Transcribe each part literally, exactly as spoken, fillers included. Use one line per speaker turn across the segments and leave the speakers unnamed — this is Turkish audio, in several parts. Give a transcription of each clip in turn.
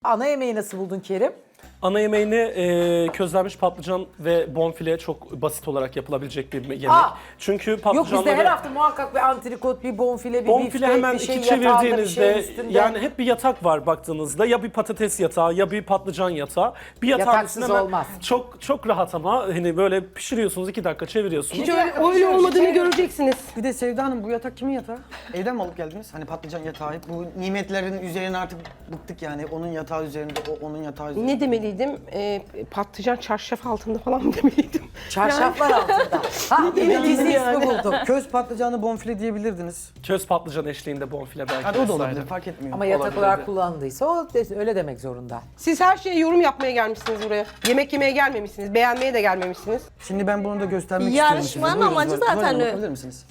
Ana yemeği nasıl buldun Kerim?
Ana yemeğini e, közlenmiş patlıcan ve bonfile çok basit olarak yapılabilecek bir yemek.
Aa!
Çünkü
Yok
patlıcanları...
bizde her hafta muhakkak bir antrikot, bir bonfile, bir
Bonfile
biftek,
hemen
bir şey
iki
yatağında, bir
çevirdiğinizde
şey üstünde.
yani hep bir yatak var baktığınızda. Ya bir patates yatağı ya bir patlıcan yatağı. Bir yatağın
Yataksız
üstüne hemen
olmaz.
Çok çok rahat ama hani böyle pişiriyorsunuz iki dakika çeviriyorsunuz.
Hiç öyle, öyle olmadığını göreceksiniz.
Bir de Sevda Hanım bu yatak kimin yatağı? Evden mi alıp geldiniz? Hani patlıcan yatağı. Bu nimetlerin üzerine artık bıktık yani. Onun yatağı üzerinde, o onun yatağı üzerinde.
Ne demeliydim? Ee, patlıcan çarşaf altında falan mı demeliydim?
Çarşaflar altında. Ha, bir gizli ismi buldum.
Köz patlıcanı bonfile diyebilirdiniz.
Köz patlıcan eşliğinde bonfile belki.
Hadi o da
vesaire.
olabilir, fark etmiyor.
Ama yatak
Olabilirdi.
olarak kullanıldıysa o de- öyle demek zorunda.
Siz her şeye yorum yapmaya gelmişsiniz buraya. Yemek yemeye gelmemişsiniz, beğenmeye de gelmemişsiniz.
Şimdi ben bunu da göstermek
Yarışmanın
istiyorum size. Buyurun,
amacı
Zuhal-
zaten
Zuhal Hanım,
o.
bakabilir misiniz?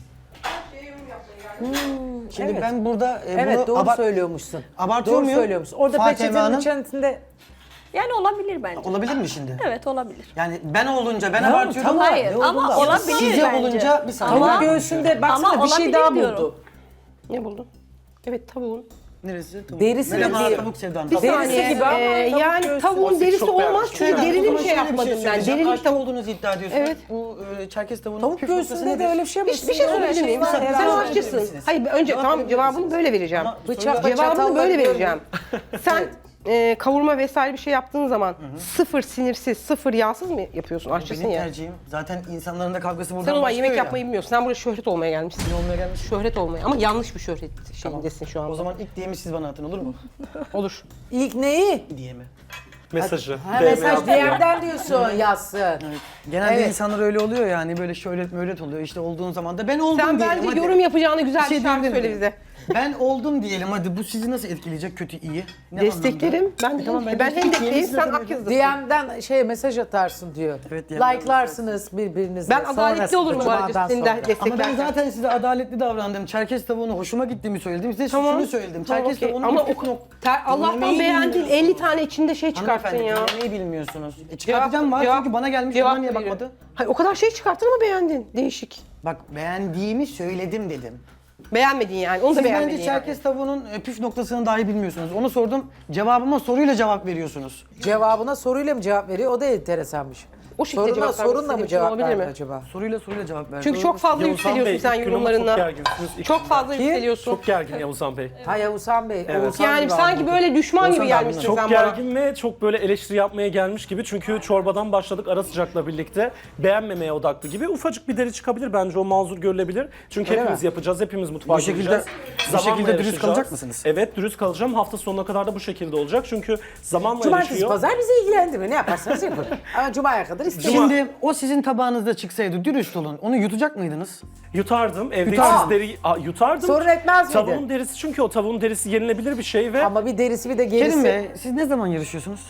Şimdi
Evet.
ben burada e,
Evet
bunu
doğru
abart-
söylüyormuşsun.
abartıyor
doğru
muyum?
söylüyormuşsun. Orada
Fatime
peçetenin
Hanım.
içerisinde...
Yani olabilir bence.
Olabilir mi şimdi?
Evet olabilir.
Yani ben olunca ben
Tamam,
abartıyorum
tamam.
ama
Hayır,
ne
ama
olduğunu da-
olabilir
Size
bence.
olunca bir saniye.
Ama
Ama-
göğsünde baksana
Ama
bir şey
olabilir
daha
diyorum.
buldu.
Ne buldun? Evet, tavuğun.
Neresi? Tavuk.
Derisi
Merhaba,
gibi.
tavuk Sevda Hanım.
Bir
Derisi
saniye,
gibi ama
ee,
tavuk
yani
göğsü.
tavuğun
Siz
derisi
çok
olmaz
beğendiniz,
çünkü
çok
derili bir
Ama
şey
şöyle
yapmadım ben.
söyleyeceğim.
Derili bir
Aşçı
tavuk.
olduğunuzu iddia ediyorsunuz.
Evet.
Bu e, Çerkez tavuğunun
Tavuk
püf noktası
göğsünde de
nedir?
öyle bir şey mi?
Bir, bir şey
Öyle
söyleyebilir miyim?
var
Sen, sen
herhalde.
aşçısın. Hayır önce
Cevap
tamam
verebilir
cevabını
misiniz?
böyle vereceğim.
Ama
Bıçakla
soruyu-
Cevabını
çatalla
böyle
görmüyorum.
vereceğim. Sen e, kavurma vesaire bir şey yaptığın zaman sıfır sinirsiz, sıfır yağsız mı yapıyorsun? Aşçısın
Benim
ya.
tercihim. Zaten insanların da kavgası buradan
Sen o zaman
başlıyor
yemek
ya.
yapmayı bilmiyorsun. Sen buraya şöhret olmaya gelmişsin.
olmaya gelmiş.
Şöhret olmaya ama yanlış bir şöhret şeyindesin şu anda.
O zaman ilk diyemi siz bana atın olur mu?
Olur.
İlk neyi?
Diyemi.
Mesajı.
Ha,
D M
mesaj
atıyor.
D M'den diyorsun yazsın.
Genelde
Evet.
insanlar öyle oluyor yani böyle şöhret möhret oluyor işte olduğun zaman da ben oldum
Sen
diyelim
bence
hadi.
yorum yapacağını güzel bir,
şey
şarkı
diyebilir
söyle
miyim?
bize.
Ben oldum diyelim hadi bu sizi nasıl etkileyecek kötü iyi? Ne
Desteklerim. Ben,
E tamam, ben
ben
destek
Hendek'teyim,
diyeyim,
sen
size
Akyaz'dasın.
D M'den şey mesaj atarsın diyor.
Evet, D M'den
Like'larsınız birbirinize.
Ben adaletli olurum bu
Cumadan
arada senin
sonra.
de
Ama ben
desteklerken.
zaten size adaletli davrandım. Çerkez tavuğunu hoşuma gittiğimi söyledim. Size
Tamam.
şunu söyledim.
Tamam,
Çerkez
okey.
tavuğunun
Ama
bir
o,
püf nok-
ter, Allah'tan
Yemeği
beğendin
bilmiyorsun.
elli tane içinde şey çıkarttın
Hanımefendi
ya.
yemeği bilmiyorsunuz. E çıkartacağım var
Cevap-
çünkü bana gelmiş
cevap
ona niye
veriyorum.
bakmadı?
Hayır, o kadar şey çıkarttın ama beğendin. Değişik.
Bak beğendiğimi söyledim dedim.
Beğenmedin yani. Onu da
Siz
beğenmedin
bence
yani.
Çerkez tavuğunun e, püf noktasını dahi bilmiyorsunuz. Onu sordum. Cevabıma soruyla cevap veriyorsunuz.
Cevabına soruyla mı cevap veriyor? O da enteresanmış.
O şekilde
Soruna,
cevap vermek
sorunla mı
istediğim için
cevap
olabilir
verdi
mi?
acaba?
Soruyla soruyla cevap ver.
Çünkü çok fazla
Yavuzhan
yükseliyorsun
Bey,
sen
ilk gün ama
yorumlarına.
Çok gerginsiniz. İlk
Çok
günden.
fazla
Kim?
yükseliyorsun.
Çok gergin Yavuzhan Bey.
Ha Yavuzhan Bey.
Evet.
Oğuzhan
Yani
gibi
sanki
anladım.
böyle düşman gibi
Olsan da
gelmişsin
Çok
sen bana.
gergin ve çok böyle eleştiri yapmaya gelmiş gibi. Çünkü çorbadan başladık ara sıcakla birlikte. Beğenmemeye odaklı gibi. Ufacık bir deri çıkabilir bence o mazur görülebilir. Çünkü
Öyle
hepimiz
mi?
yapacağız, hepimiz mutfağa
Bu şekilde-
gireceğiz.
bu
Zamanla
şekilde dürüst
yarışacağız.
kalacak mısınız?
Evet dürüst kalacağım. Hafta sonuna kadar da bu şekilde olacak. Çünkü zamanla
Cumartesi
yarışıyor.
pazar bizi ilgilendirmiyor. Ne yaparsanız yapın. Ama Cuma'ya kadar isteyin.
Şimdi o sizin tabağınızda çıksaydı dürüst olun. Onu yutacak mıydınız?
Yutardım. Evde
Yutar.
siz deri... Aa, yutardım.
Sorun etmez miydi?
Tavuğun derisi çünkü o tavuğun derisi yenilebilir bir şey ve
Ama bir derisi bir de gerisi.
Kerim Bey siz ne zaman yarışıyorsunuz?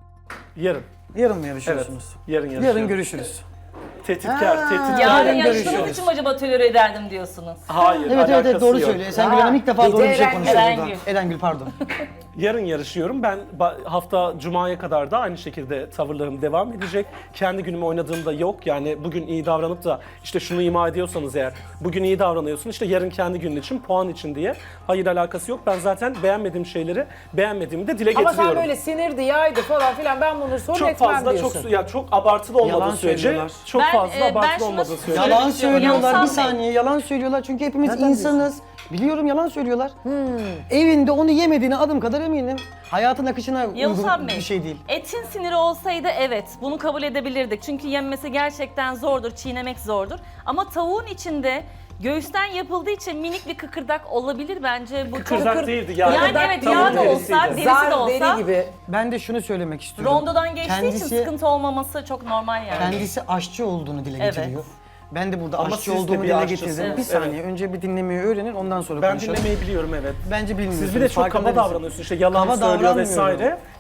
yarın.
Yarın mı
Evet.
yarışıyorsunuz?
Yarın yarışıyorum.
Yarın görüşürüz.
Tehditkar, tehditkar.
Yarın
Yarın
yarıştığınız
görüşürüz.
için mi acaba tolere ederdim diyorsunuz?
Hayır,
Evet evet, evet
alakası
doğru
yok.
söylüyor. Esengül
Ha,
Hanım ilk defa
bir
doğru
de
bir şey
Eren-
konuşuyor
Erengül.
burada. Erengül pardon.
Yarın yarışıyorum. Ben ba- hafta Cuma'ya kadar da aynı şekilde tavırlarım devam edecek. Kendi günümü oynadığımda yok. Yani bugün iyi davranıp da işte şunu ima ediyorsanız eğer bugün iyi davranıyorsun işte yarın kendi günün için puan için diye. Hayır alakası yok. Ben zaten beğenmediğim şeyleri beğenmediğimi de dile
Ama
getiriyorum.
sen böyle sinirdi, yaydı falan filan ben bunları sorun
çok
etmem
fazla
diyorsun.
çok ya çok abartılı olmadığı
Yalan
sürece
söylüyorlar.
çok
Ben,
fazla
e, ben
abartılı
şunu
olmadığı sürece.
söyleyeyim.
Yalan
istiyorum.
söylüyorlar bir
Yavuzhan Bey.
saniye yalan söylüyorlar çünkü hepimiz
Nereden
insanız. Biliyorum yalan söylüyorlar. Evinde onu yemediğine adım kadar eminim. Hayatın akışına
Yavuzhan
uygun
Bey,
bir şey değil.
etin siniri olsaydı evet bunu kabul edebilirdik. Çünkü yenmesi gerçekten zordur, çiğnemek zordur. Ama tavuğun içinde göğüsten yapıldığı için minik bir kıkırdak olabilir bence. Bu
Kıkırdak
çok...
değildi yani.
Yani
Kıkırdak
evet
tavuğun
yağ da olsa,
derisiydi.
derisi
Zar
de olsa
deri gibi.
Ben de şunu söylemek istiyorum.
rondodan geçtiği için
Kendisi-
sıkıntı olmaması çok normal yani.
Kendisi aşçı olduğunu dile
Evet.
getiriyor. Ben de burada
Ama
aşçı
siz de
olduğumu
bir
dile
aşçısınız.
getirdim. Bir
Evet.
saniye önce bir dinlemeyi öğrenin ondan sonra
Ben
konuşalım.
dinlemeyi biliyorum evet.
Bence bilmiyorsunuz.
Siz bir de çok
farkında
kaba
değilsiniz.
davranıyorsun işte yalan
Kaba
söylüyor
davranmıyorum.
vesaire.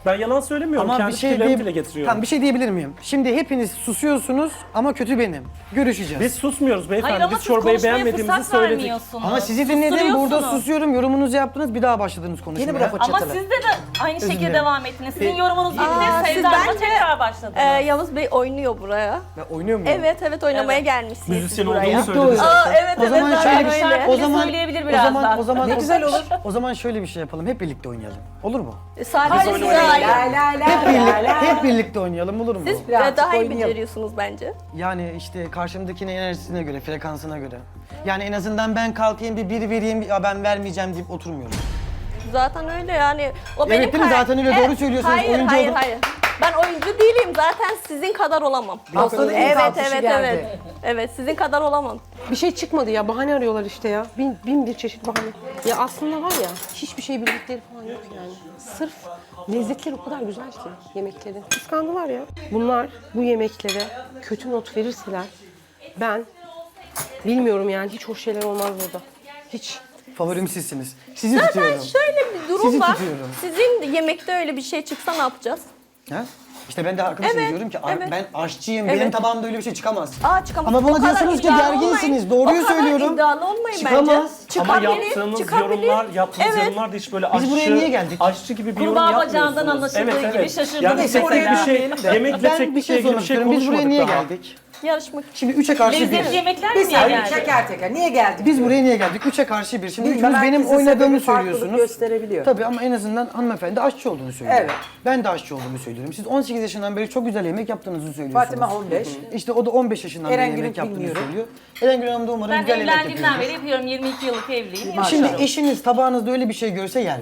Ben yalan söylemiyorum.
Ama
Kendi
bir şey
fikirlerimi
diye-
dile getiriyorum.
Tamam bir şey diyebilir miyim? Şimdi hepiniz susuyorsunuz ama kötü benim. Görüşeceğiz.
Biz susmuyoruz beyefendi.
Hayır ama
Biz
siz
çorbayı
konuşmaya
beğenmediğimizi
fırsat
söyledik.
vermiyorsunuz.
ama sizi dinledim, burada
Susturuyorsunuz.
susuyorum, yorumunuzu yaptınız, bir daha başladınız konuşmaya.
Yeni bir laf
Ama
çatılı.
siz de, de aynı şekilde
dilerim.
devam ettiniz. Sizin yorumunuz bitti.
Aa, siz
Sevda Hanım'a
bence,
tekrar başladınız.
Ee, Yavuz Bey oynuyor buraya.
Ben oynuyor muyum?
Evet evet oynamaya
Evet.
gelmişsiniz
Müzisyen
siz buraya.
olduğunu söyledi.
Aa evet
O
evet
zaman
zaten
şöyle bir
öyle.
şarkı
o
bile
zaman
söyleyebilir
o
birazdan.
zaman o zaman
Ne güzel olur.
O zaman şöyle bir şey yapalım. Hep birlikte oynayalım. Olur mu?
Sadece
oyun
size
oynayalım.
ait.
La la la
Hep
la
birlikte
la.
hep birlikte oynayalım, olur mu?
Siz
Birazcık
e, daha iyi
oynayalım.
beceriyorsunuz bence.
Yani işte karşımdakinin enerjisine göre, frekansına göre. Yani en azından ben kalkayım bir bir vereyim, ya ben vermeyeceğim deyip oturmuyorum.
Zaten öyle yani. O
Evet,
benim
değil mi?
kar-
Zaten öyle, doğru söylüyorsunuz.
Hayır
Oyuncu
hayır
olun.
hayır. Ben oyuncu değilim zaten sizin kadar olamam.
Haftanın ilk
Evet
alkışı
evet
geldi.
evet. Evet sizin kadar olamam.
Bir şey çıkmadı ya. Bahane arıyorlar işte ya. Bin, bin bir çeşit bahane. Ya aslında var ya hiçbir şey bildikleri falan yok yani. Sırf lezzetleri o kadar güzel ki yemeklerin. Kıskandılar ya. Bunlar bu yemeklere kötü not verirseler ben bilmiyorum yani hiç hoş şeyler olmaz burada. Hiç.
Favorim sizsiniz. Sizi
Zaten
tutuyorum.
şöyle bir durum
Sizi
var.
tutuyorum.
Sizin yemekte öyle bir şey çıksa ne yapacağız?
Ha? İşte ben de arkadaşım
Evet,
diyorum ki "Ar-
evet.
ben aşçıyım,
Evet.
benim tabağımda öyle bir şey çıkamaz.
Aa çıkamaz.
Ama
O
bana
kadar
diyorsunuz ki
iddialı
gerginsiniz.
olmayın.
Doğruyu
O kadar
söylüyorum.
iddialı olmayın
Çıkamaz.
bence.
Ama
Çıkabilir,
yaptığınız
çıkabilir.
yorumlar, yaptığınız
Evet.
yorumlar da hiç böyle
Biz
aşçı,
buraya niye geldik?
aşçı gibi bir yorum
Kurbağa
yapmıyorsunuz.
bacağından anlaşıldığı gibi şaşırdım.
Yani
Neyse,
teknik
oraya
bir şey,
girmeyelim de.
yemekle
Ben bir
teknikle
şey
ilgili
sormak
bir şey
istiyorum. Biz buraya
konuşmadık
niye
daha.
geldik?
Yarışmak.
Şimdi üçe karşı
Lezzetli
bir.
yemekler
Bir
mi niye
saniye
geldi?
teker teker. Niye geldik?
Biz buraya niye geldik? Üçe karşı bir. Şimdi
Bilmem,
üçünüz benim
herkesin
oynadığımı
sebebi farklılık
söylüyorsunuz.
gösterebiliyor.
Tabii ama en azından hanımefendi aşçı olduğunu söylüyor.
Evet.
Ben de aşçı olduğumu söylüyorum. Siz on sekiz yaşından beri çok güzel yemek yaptığınızı söylüyorsunuz.
Fatima on beş.
İşte o da on beş yaşından
Eren
beri
Gül'ün
yemek yaptığını
bilmiyorum.
söylüyor. Eren Gül Hanım da umarım
Ben
güzel yemek
evlendiğimden
yapıyor.
beri yapıyorum. yirmi iki yıllık evliyim.
Şimdi
Yapıyorum.
eşiniz tabağınızda öyle bir şey görse yer mi?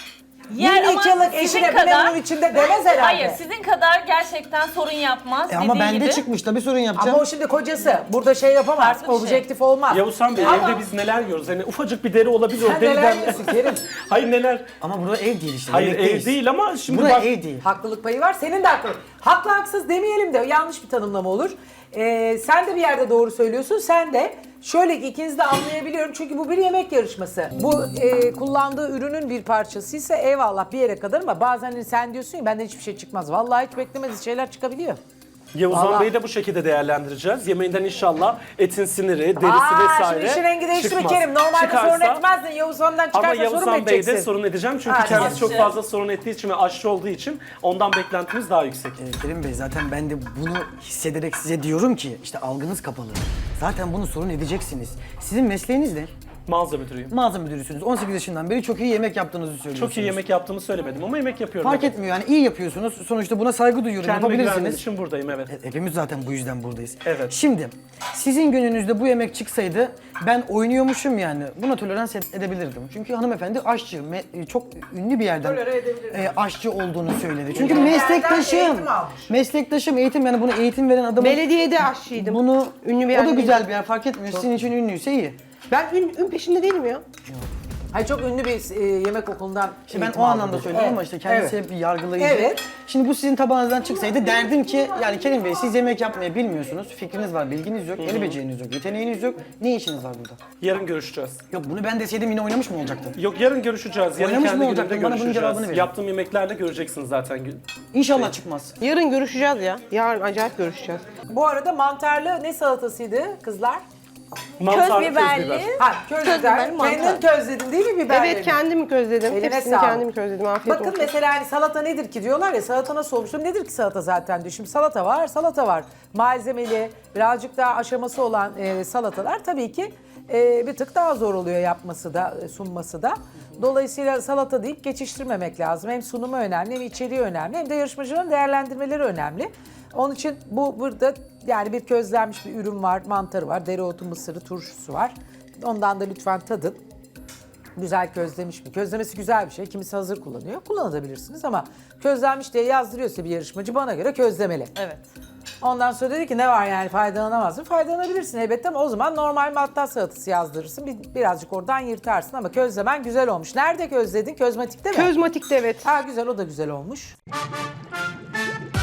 Yer
yirmi
ama
iki yıllık
sizin
eşine bu ne bunun içinde demez herhalde.
Hayır, sizin kadar gerçekten sorun yapmaz.
E ama
dediği
bende
gibi.
çıkmış tabii sorun yapacağım.
Ama o şimdi kocası. Burada şey yapamaz.
Farklı bir şey.
Objektif olmaz.
Yavuzhan Bey
Ama-
evde biz neler yiyoruz? Hani ufacık bir deri olabilir o
Sen neler
deriden.
yiyorsun Kerim?
Hayır neler?
Ama burada ev değil işte.
Hayır
yemekteyiz.
ev değil ama şimdi
Burada
bak
ev değil.
Haklılık payı var. Senin de haklılık. Haklı haksız demeyelim de yanlış bir tanımlama olur. Ee, sen de bir yerde doğru söylüyorsun. Sen de şöyle ki ikinizi de anlayabiliyorum. Çünkü bu bir yemek yarışması. Bu e, kullandığı ürünün bir parçasıysa eyvallah bir yere kadar ama bazen hani sen diyorsun ya benden hiçbir şey çıkmaz. Vallahi hiç beklemediğiniz şeyler çıkabiliyor.
Yavuzhan
Vallahi.
Bey'i de bu şekilde değerlendireceğiz. Yemeğinden inşallah etin siniri, derisi
Aa,
vesaire
şimdi işin rengi değişti mi
çıkmaz.
Kerim? Normalde
Çıkarsa-
sorun etmezdin. Yavuz ondan çıkarsa
Ama
sorun mu
Yavuzhan Bey'de
edeceksin?
sorun edeceğim çünkü
Hadi.
kendisi çok
Aşçı.
fazla sorun ettiği için ve aşçı olduğu için ondan beklentimiz daha yüksek.
Ee, Kerim Bey zaten ben de bunu hissederek size diyorum ki işte algınız kapalı. Zaten bunu sorun edeceksiniz. Sizin mesleğiniz ne?
Mağaza müdürüyüm.
Mağaza müdürüsünüz. on sekiz yaşından beri çok iyi yemek yaptığınızı söylüyorsunuz.
Çok iyi yemek yaptığımı söylemedim ama yemek yapıyorum.
Fark
evet.
etmiyor yani iyi yapıyorsunuz. Sonuçta buna saygı duyuyorum.
Kendime güvendiğim
Yapabilirsiniz.
için buradayım evet.
E, Hepimiz zaten bu yüzden buradayız.
Evet.
Şimdi sizin gününüzde bu yemek çıksaydı ben oynuyormuşum yani buna tolerans ed- edebilirdim. Çünkü hanımefendi aşçı, me- çok ünlü bir yerden
Tolere edebilirdim.
e, aşçı olduğunu söyledi. Çünkü
Bir yerden
meslektaşım,
eğitim almış.
meslektaşım eğitim yani bunu eğitim veren adamın
Belediyede aşçıydım.
bunu
Ünlü bir
o da
yerde
güzel
değilim.
bir yer fark etmiyor. Sizin için ünlüyse iyi.
Ben ün, ün peşinde değilim ya.
Hayır çok ünlü bir e, yemek okulundan
İşte ben
eğitim
o
aldım
anlamda
dedi.
söyledim
Evet.
ama işte kendisi
Evet.
hep bir yargılayıcı.
Evet.
Şimdi bu sizin tabağınızdan çıksaydı derdim ki yani Kerim Bey siz yemek yapmayı bilmiyorsunuz. Fikriniz var, bilginiz yok, el beceriniz yok, yeteneğiniz yok. Ne işiniz var burada?
Yarın görüşeceğiz.
Yok bunu ben deseydim yine oynamış mı olacaktım?
Yok yarın görüşeceğiz. Yarın
Oynamış
kendi
mı olacaktın?
günümde
Bana bunun
görüşeceğiz.
cevabını verin.
Yaptığım yemeklerle göreceksiniz zaten.
İnşallah çıkmaz.
Yarın görüşeceğiz ya. Yarın acayip görüşeceğiz.
Bu arada mantarlı ne salatasıydı kızlar?
Mantarlı
biberli.
Ha köz
Köz
biber.
biberli mantar.
Kendin közledin değil mi biberleri?
Evet kendim közledim.
Eline
Hepsini
sağlık.
kendim közledim. Afiyet
Bakın
olsun.
mesela hani salata nedir ki diyorlar ya salata nasıl olmuştur? Nedir ki salata zaten diyor. Şimdi salata var, salata var. Malzemeli, birazcık daha aşaması olan e, salatalar tabii ki e, bir tık daha zor oluyor yapması da, e, sunması da. Dolayısıyla salata deyip geçiştirmemek lazım. Hem sunumu önemli, hem içeriği önemli, hem de yarışmacıların değerlendirmeleri önemli. Onun için bu burada yani bir közlenmiş bir ürün var, mantarı var, dereotu, mısırı, turşusu var. Ondan da lütfen tadın. Güzel közlemiş mi? Közlemesi güzel bir şey. Kimisi hazır kullanıyor. Kullanabilirsiniz ama közlenmiş diye yazdırıyorsa bir yarışmacı bana göre közlemeli.
Evet.
Ondan sonra dedi ki ne var yani faydalanamaz mı? Faydalanabilirsin elbette ama o zaman normal matta salatası yazdırırsın. Bir, birazcık oradan yırtarsın ama közlemen güzel olmuş. Nerede közledin? Közmatikte mi?
Közmatik'te evet.
Ha güzel o da güzel olmuş.